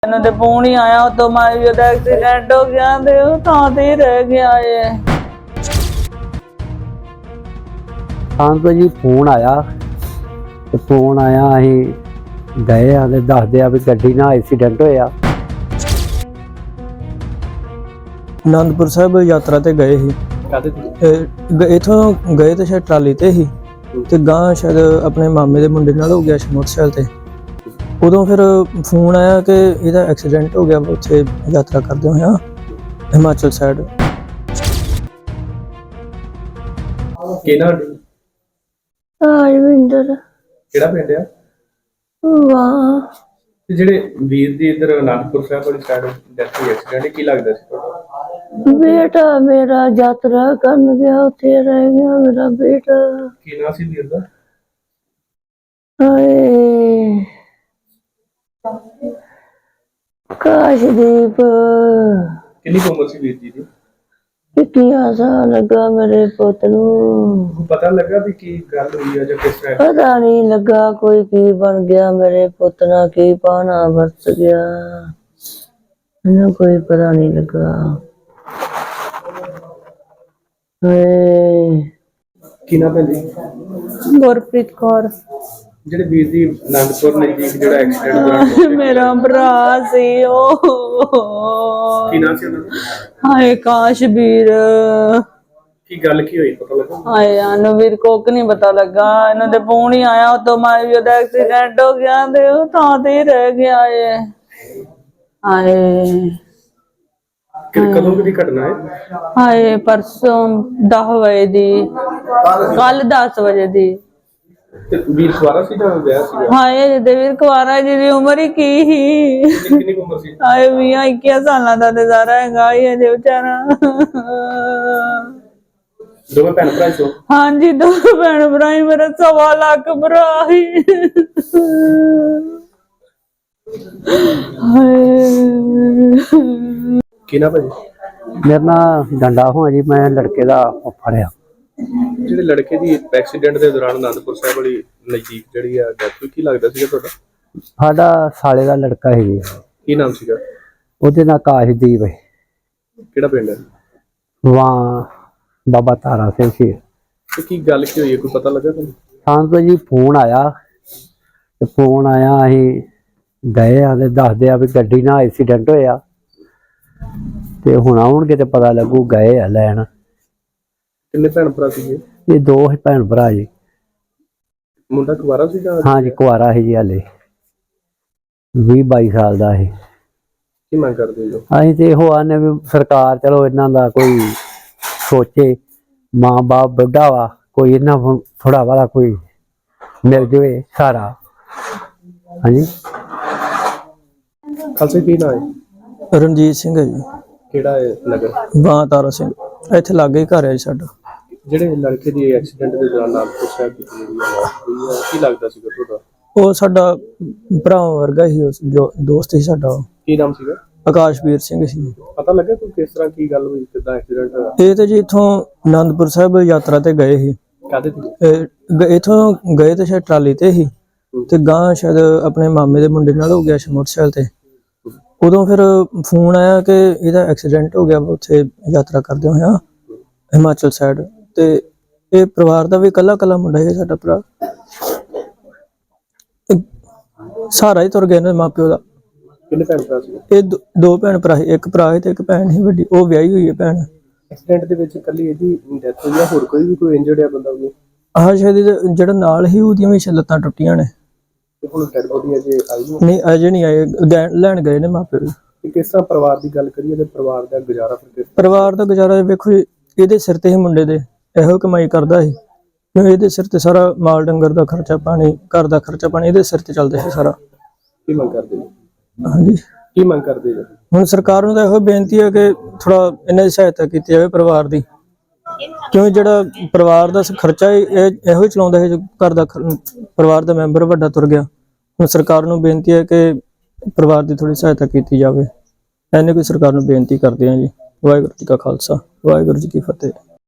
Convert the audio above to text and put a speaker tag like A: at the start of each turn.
A: ਇਹਨਾਂ ਦੇ ਫੋਨ ਹੀ ਆਇਆ ਉਦੋਂ ਮਾਈ ਉਹਦਾ ਐਕਸੀਡੈਂਟ ਹੋ ਗਿਆ ਤੇ ਉਹ ਥਾਂ ਤੇ ਹੀ ਰਹਿ ਗਿਆ ਏ।
B: ਤਾਂ ਜੀ ਫੋਨ ਆਇਆ ਅਸੀਂ ਗਏ ਆ ਤੇ ਦੱਸਦੇ ਆ ਵੀ ਗੱਡੀ ਨਾਲ ਐਕਸੀਡੈਂਟ ਹੋਇਆ।
C: ਆਨੰਦਪੁਰ ਸਾਹਿਬ ਯਾਤਰਾ ਤੇ ਗਏ ਸੀ। ਇਥੋਂ ਗਏ ਤੇ ਸ਼ਾਇਦ ਟਰਾਲੀ ਤੇ ਸੀ ਤੇ ਗਾਂ ਸ਼ਾਇਦ ਆਪਣੇ ਮਾਮੇ ਦੇ ਮੁੰਡੇ ਨਾਲ ਹੋ ਗਿਆ ਸੀ ਮੋਟਰਸਾਈਕਲ ਤੇ। ਉਦੋਂ ਫਿਰ ਫੋਨ ਆਇਆ ਕਿ ਇਹਦਾ ਐਕਸੀਡੈਂਟ ਹੋ ਗਿਆ ਉੱਥੇ ਯਾਤਰਾ ਕਰਦੇ ਹੋਇਆ ਹਿਮਾਚਲ ਸਾਈਡ।
D: ਕਿਹੜਾ
A: ਰਵਿੰਦਰ
D: ਕਿਹੜਾ ਪਿੰਡ ਆ
A: ਵਾਹ
D: ਤੇ ਜਿਹੜੇ ਵੀਰ ਦੀ ਇਧਰ ਅਨੰਦਪੁਰ ਸਾਹਿਬ ਵਾਲੀ ਸਾਈਡ ਡੈਥ ਹੋਈ ਐਕਸੀਡੈਂਟ ਕੀ ਲੱਗਦਾ ਸੀ ਤੁਹਾਡਾ?
A: ਬੇਟਾ ਮੇਰਾ ਯਾਤਰਾ ਕਰਨ ਗਿਆ ਉੱਥੇ ਰਹਿ ਗਿਆ ਮੇਰਾ ਬੇਟਾ।
D: ਕੀ ਨਾਂ ਸੀ ਵੀਰ ਦਾ?
A: ਹਾਏ ਕਾਸ਼ਦੀਪ
D: ਕਿੰਨੀ ਕੁ ਉਮਰ ਸੀ ਵੀਰ ਜੀ ਦੀ?
A: ਕਿੰਨਾ ਸਾਲ ਲੱਗਾ ਮੇਰੇ ਪੁੱਤ ਨੂੰ?
D: ਪਤਾ ਲੱਗਾ ਵੀ ਕੀ ਗੱਲ ਹੋਈ ਆ ਜਾਂ ਕਿਸ ਤਰ੍ਹਾਂ?
A: ਪਤਾ ਨਹੀਂ ਲੱਗਾ ਕੋਈ ਕੀ ਬਣ ਗਿਆ ਮੇਰੇ ਪੁੱਤ ਨਾਲ, ਕੀ ਪਾਣਾ ਵਰਤ ਗਿਆ ਮੈਨੂੰ ਕੋਈ ਪਤਾ ਨਹੀਂ ਲੱਗਾ। ਹਾਏ
D: ਕੀ ਨਾਂ ਪੈਂਦੀ?
A: ਗੁਰਪ੍ਰੀਤ ਕੌਰ।
D: ਜਿਹੜੇ ਵੀਰ ਦੀ ਅਨੰਦਪੁਰ ਨਜ਼ਦੀਕ ਜਿਹੜਾ ਐਕਸੀਡੈਂਟ ਹੋਇਆ
A: ਮੇਰਾ ਭਰਾ ਸੀ ਉਹ।
D: ਕੀ ਨਾਂ ਸੀ ਉਹਨਾਂ ਦਾ?
A: ਹਾਏ ਕਾਸ਼ਵੀਰ।
D: ਕੀ ਗੱਲ ਕੀ ਹੋਈ ਪਤਾ ਲੱਗਾ?
A: ਹਾਏ ਸਾਨੂੰ ਵੀਰ ਕੋਕ ਨਹੀਂ ਪਤਾ ਲੱਗਾ। ਇਹਨਾਂ ਦੇ ਫੋਨ ਹੀ ਆਇਆ ਉਦੋਂ ਮਾਈ ਉਹਦਾ ਐਕਸੀਡੈਂਟ ਹੋ ਗਿਆ ਤੇ ਉਹ ਥਾਂ ਤੇ ਹੀ ਰਹਿ ਗਿਆ ਏ। ਹਾਏ
D: ਕਦੋਂ ਦੀ ਘਟਨਾ ਹੈ?
A: ਹਾਏ ਪਰਸੋਂ 10 ਵਜੇ ਦੀ, ਕੱਲ 10 ਵਜੇ ਦੀ।
D: ਤੇ ਵੀਰ ਸਵਾਰਾ ਸੀ ਜਾਂ ਵਿਆਹ ਸੀ?
A: ਹਾਏ ਜਿਹਦੇ ਵੀਰ ਕੁਆਰਾ ਜਿਹਦੀ ਉਮਰ ਹੀ ਕੀ ਸੀ।
D: ਕਿੰਨੀ ਕੁ ਉਮਰ ਸੀ?
A: ਹਾਏ 20-21 ਸਾਲਾਂ ਦਾ ਤੇ ਸਾਰਾ ਹੈਗਾ ਹੀ ਅਜੇ ਵਿਚਾਰਾ।
D: ਦੋਵੇਂ ਭੈਣ ਭਰਾ ਸੀ?
A: ਹਾਂਜੀ ਦੋ ਭੈਣ ਭਰਾ ਹੀ, ਮੇਰਾ 1.25 ਲੱਖ ਭਰਾ ਹੀ।
D: ਕੀ ਨਾਂ ਭਾਜੀ?
B: ਮੇਰਾ ਨਾਂ ਡੰਡਾ ਹੋਆ ਜੀ, ਮੈਂ ਲੜਕੇ ਦਾ ਫੁੱਫੜ ਆ।
D: ਜਿਹੜੇ ਲੜਕੇ ਦੀ ਐਕਸੀਡੈਂਟ ਦੇ ਦੌਰਾਨ ਅਨੰਦਪੁਰ ਸਾਹਿਬ ਵਾਲੀ ਨਜ਼ਦੀਕ ਜਿਹੜੀ ਆ ਡੈਥ ਹੋਈ, ਕੀ ਲੱਗਦਾ ਸੀਗਾ ਤੁਹਾਡਾ?
B: ਸਾਡਾ ਸਾਲੇ ਦਾ ਲੜਕਾ ਸੀ ਜੀ।
D: ਕੀ ਨਾਮ ਸੀਗਾ
B: ਉਹਦੇ ਨਾਲ ਕਾਸ਼ਦੀਪ ਹੈ।
D: ਕਿਹੜਾ ਪਿੰਡ ਹੈ?
B: ਵਾਂ ਬਾਬਾ ਤਾਰਾ ਸਿੰਘ ਸੀ।
D: ਤੇ ਕੀ ਗੱਲ ਕੀ ਹੋਈ ਹੈ, ਕੋਈ ਪਤਾ ਲੱਗਾ ਤੁਹਾਨੂੰ?
B: ਤਾਂ ਜੀ ਫੋਨ ਆਇਆ ਅਸੀਂ ਗਏ ਆ ਤੇ ਦੱਸਦੇ ਆ ਵੀ ਗੱਡੀ ਨਾਲ ਐਕਸੀਡੈਂਟ ਹੋਇਆ ਤੇ ਹੁਣ ਆਉਣਗੇ ਤੇ ਪਤਾ ਲੱਗੂ। ਗਏ ਆ ਲੈਣ।
D: ਕਿੰਨੇ ਭੈਣ ਭਰਾ ਸੀਗੇ?
B: ਇਹ ਦੋ ਹੀ ਭੈਣ ਭਰਾ ਜੀ।
D: ਮੁੰਡਾ ਕੁਵਾਰਾ ਸੀ ਜਾਂ?
B: ਹਾਂ ਜੀ ਕੁਆਰਾ ਸੀ ਜੀ, ਹਾਲੇ 20-22 ਸਾਲ ਦਾ ਸੀ।
D: ਕੀ ਮੰਗ ਕਰਦੇ ਹੋ?
B: ਅਸੀਂ ਤੇ ਇਹੋ ਆਨੇ ਵੀ ਸਰਕਾਰ ਚਲੋ ਇਹਨਾਂ ਦਾ ਕੋਈ ਸੋਚੇ। ਮਾਂ ਬਾਪ ਬੁੱਢਾ ਵਾ, ਕੋਈ ਇਹਨਾਂ ਥੋੜਾ ਵਾਲਾ ਕੋਈ ਮਿਲ ਜਾਵੇ ਸਾਰਾ। ਹਾਂਜੀ
D: ਖਾਲਸਾ ਕੀ ਨਾਂ ਹੈ?
C: ਰਣਜੀਤ ਸਿੰਘ ਹੈ ਜੀ।
D: ਕਿਹੜਾ ਹੈ ਨਗਰ?
C: ਬਾਂ ਤਾਰਾ ਸਿੰਘ। ਇੱਥੇ ਲਾਗੇ ਹੀ ਘਰ ਹੈ ਜੀ ਸਾਡਾ।
D: ਜਿਹੜੇ ਲੜਕੇ ਦੀ ਐਕਸੀਡੈਂਟ ਦੇ ਦੌਰਾਨ ਅਨੰਦਪੁਰ ਸਾਹਿਬ ਦੀ ਜਿਹੜੀ ਆ ਕੀ ਲੱਗਦਾ ਸੀਗਾ ਤੁਹਾਡਾ?
C: ਉਹ ਸਾਡਾ ਭਰਾ ਵਰਗਾ ਹੀ, ਜੋ ਦੋਸਤ ਸੀ ਸਾਡਾ।
D: ਕੀ ਨਾਮ ਸੀਗਾ?
C: ਆਕਾਸ਼ਵੀਰ ਸਿੰਘ ਸੀ।
D: ਪਤਾ ਲੱਗਾ ਕੋਈ ਕਿਸ ਤਰ੍ਹਾਂ ਕੀ ਗੱਲ ਹੋਈ, ਕਿੱਦਾਂ ਐਕਸੀਡੈਂਟ ਹੋਇਆ?
C: ਇਹ ਤੇ ਜੀ ਇਥੋਂ ਆਨੰਦਪੁਰ ਸਾਹਿਬ ਯਾਤਰਾ ਤੇ ਗਏ ਸੀ।
D: ਕਾਹਦੇ ਤੇ?
C: ਇਥੋਂ ਗਏ ਤੇ ਸ਼ਾਇਦ ਟਰਾਲੀ ਤੇ ਸੀ ਤੇ ਗਾਂ ਸ਼ਾਇਦ ਆਪਣੇ ਮਾਮੇ ਦੇ ਮੁੰਡੇ ਨਾਲ ਹੋ ਗਿਆ ਸੀ ਮੋਟਰਸਾਈਕਲ ਤੇ। ਉਦੋਂ ਫਿਰ ਫੋਨ ਆਇਆ ਕਿ ਇਹਦਾ ਐਕਸੀਡੈਂਟ ਹੋ ਗਿਆ ਉੱਥੇ ਯਾਤਰਾ ਕਰਦੇ ਹੋਇਆ ਹਿਮਾਚਲ ਸਾਈਡ। ਤੇ ਇਹ ਪਰਿਵਾਰ ਦਾ ਵੀ ਇਕੱਲਾ ਮੁੰਡਾ ਹੈ ਸਾਡਾ ਭਰਾ। ਸਾਰਾ ਹੀ ਤੁਰ ਗਏ ਨੇ ਮਾਪਿਓ ਦਾ।
D: ਕਿੰਨੇ ਭੈਣ ਭਰਾ ਸੀ?
C: ਇਹ ਦੋ ਭੈਣ ਭਰਾ ਸੀ, ਇੱਕ ਭਰਾ ਹੈ ਤੇ ਇੱਕ ਭੈਣ ਸੀ ਵੱਡੀ, ਉਹ ਵਿਆਹੀ ਹੋਈ ਹੈ ਭੈਣ।
D: ਐਕਸੀਡੈਂਟ ਦੇ ਵਿੱਚ ਇਕੱਲੀ ਇਹਦੀ ਡੈਥ ਹੋਈ ਆ, ਹੋਰ ਕੋਈ ਇੰਜਰਡ ਆ ਬੰਦਾ ਵੀ?
C: ਆਹ ਸ਼ਾਇਦ ਜਿਹੜਾ ਨਾਲ ਹੀ ਉਹਦੀਆਂ ਵੀ ਲੱਤਾਂ ਟੁੱਟੀਆਂ ਨੇ।
D: ਤੇ ਹੁਣ ਡੈਡ ਬੋਡੀ ਅਜੇ ਆਈ
C: ਨਹੀਂ ਅਜੇ ਨਹੀਂ ਆਏ, ਲੈਣ ਗਏ ਨੇ ਮਾਪਿਓ।
D: ਕਿਸ ਤਰ੍ਹਾਂ ਪਰਿਵਾਰ ਦੀ ਗੱਲ ਕਰੀਏ ਤੇ ਪਰਿਵਾਰ ਦਾ ਗੁਜ਼ਾਰਾ ਫਿਰ?
C: ਪਰਿਵਾਰ ਦਾ ਗੁਜ਼ਾਰਾ ਵੇਖੋ ਜੀ, ਇਹਦੇ ਸਿਰ ਤੇ ਹੀ ਮੁੰਡੇ ਦੇ ਇਹੋ ਕਮਾਈ ਕਰਦਾ ਸੀ। ਇਹਦੇ ਸਿਰ ਤੇ ਸਾਰਾ ਮਾਲ ਡੰਗਰ ਦਾ ਖਰਚਾ ਪਾਣੀ, ਘਰ ਦਾ ਖਰਚਾ ਪਾਣੀ ਇਹਦੇ ਸਿਰ ਤੇ ਚੱਲਦਾ ਸੀ ਸਾਰਾ।
D: ਕੀ ਮੰਗ ਕਰਦੇ ਜੀ?
C: ਹਾਂਜੀ
D: ਕੀ ਮੰਗ ਕਰਦੇ ਜੀ?
C: ਹੁਣ ਸਰਕਾਰ ਨੂੰ ਤਾਂ ਇਹੋ ਬੇਨਤੀ ਹੈ ਕਿ ਥੋੜਾ ਇਹਨਾਂ ਦੀ ਸਹਾਇਤਾ ਕੀਤੀ ਜਾਵੇ ਪਰਿਵਾਰ ਦੀ, ਕਿਉਂ ਜਿਹੜਾ ਪਰਿਵਾਰ ਦਾ ਖਰਚਾ ਇਹੋ ਹੀ ਚਲਾਉਂਦਾ ਹੈ। ਜੋ ਘਰ ਦਾ ਪਰਿਵਾਰ ਦਾ ਮੈਂਬਰ ਵੱਡਾ ਤੁਰ ਗਿਆ, ਹੁਣ ਸਰਕਾਰ ਨੂੰ ਬੇਨਤੀ ਹੈ ਕਿ ਪਰਿਵਾਰ ਦੀ ਥੋੜੀ ਸਹਾਇਤਾ ਕੀਤੀ ਜਾਵੇ। ਐਨੇ ਕੋਈ ਸਰਕਾਰ ਨੂੰ ਬੇਨਤੀ ਕਰਦੇ ਹਾਂ ਜੀ। ਵਾਹਿਗੁਰੂ ਜੀ ਕਾ ਖਾਲਸਾ, ਵਾਹਿਗੁਰੂ ਜੀ ਕੀ ਫਤਿਹ।